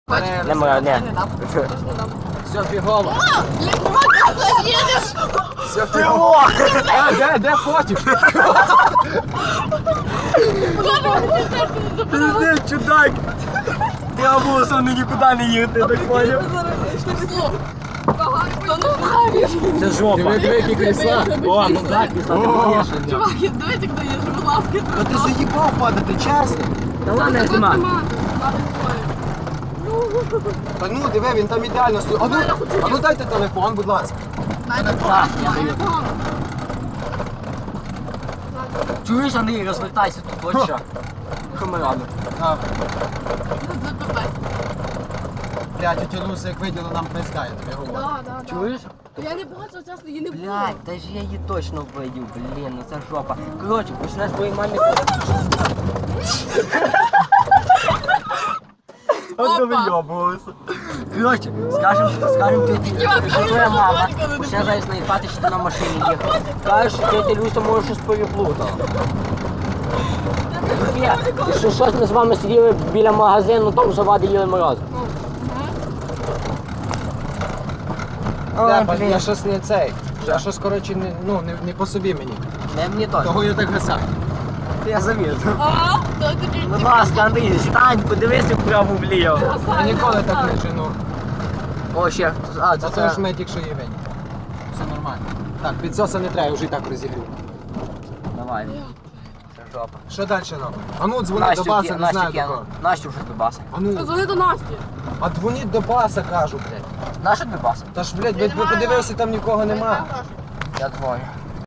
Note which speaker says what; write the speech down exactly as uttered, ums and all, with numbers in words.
Speaker 1: Не моя, не.
Speaker 2: Все фігово.
Speaker 1: Їдеш!
Speaker 2: Все фігово. А, де, де фотик?
Speaker 1: Пиздец, чудак! Ти обусом нікуди не їхати, так поняв? Це жопа.
Speaker 2: Диви, диви, які крісла.
Speaker 1: О, ну так, крісла, ти поняв.
Speaker 3: Чувак, давайте даєш, будь ласка.
Speaker 2: Ну ти заїбав падати, чесно.
Speaker 1: Та ладно, я знімаю.
Speaker 2: Та ну, диви, він там ідеально стоїть. А ну, а ну дайте телефон, будь ласка.
Speaker 1: Так, я даю. Чуєш, Андрій, розвертайся тут, от що. Камерами.
Speaker 2: А, блядь, тетя Люся, як виділа, нам пизда, я тобі говорю.
Speaker 3: Да, да, да.
Speaker 1: Чуєш?
Speaker 3: Я не бачу, чесно, її не було.
Speaker 1: Блядь, та ж я її точно вбив, блін, ну це жопа. Коротше, почнеш твоїй мамі... От вийобувалися. Коротше, скажем, скажем тіті, що твоя мама почне зараз наїхати, що ти на машині їхав. Кажеш, що тетя Люся може щось переплутала. Ні, і що щось ми з вами сиділи біля магазину, там завади їли мороз.
Speaker 2: Бля, блін, я щось не цей. Я щось, коротше, не, ну, не, не по собі мені.
Speaker 1: Не мені теж.
Speaker 2: Того я так гасав.
Speaker 1: Я замітив.
Speaker 3: А, то тоді
Speaker 1: Будь ласка, Андрій, стань, подивися вправо вліво.
Speaker 2: Я ніколи так не жену.
Speaker 1: О, ще, а,
Speaker 2: Це
Speaker 1: це,
Speaker 2: це ж
Speaker 1: це...
Speaker 2: ми тільки що ївень. Все нормально. Так, підсоса не треба, вже і так розігрів.
Speaker 1: Давай. Це жопа.
Speaker 2: Що далі робимо? А ну, дзвони до баса, не знаю до кого.
Speaker 1: Настю вже до баса.
Speaker 2: А ну,
Speaker 3: Позвони до Насті.
Speaker 2: а дзвоніть до баса, кажу, блядь.
Speaker 1: Наша до баса?
Speaker 2: Та ж, блядь, ви ви подивилися, там нікого нема.
Speaker 1: Я дзвоню.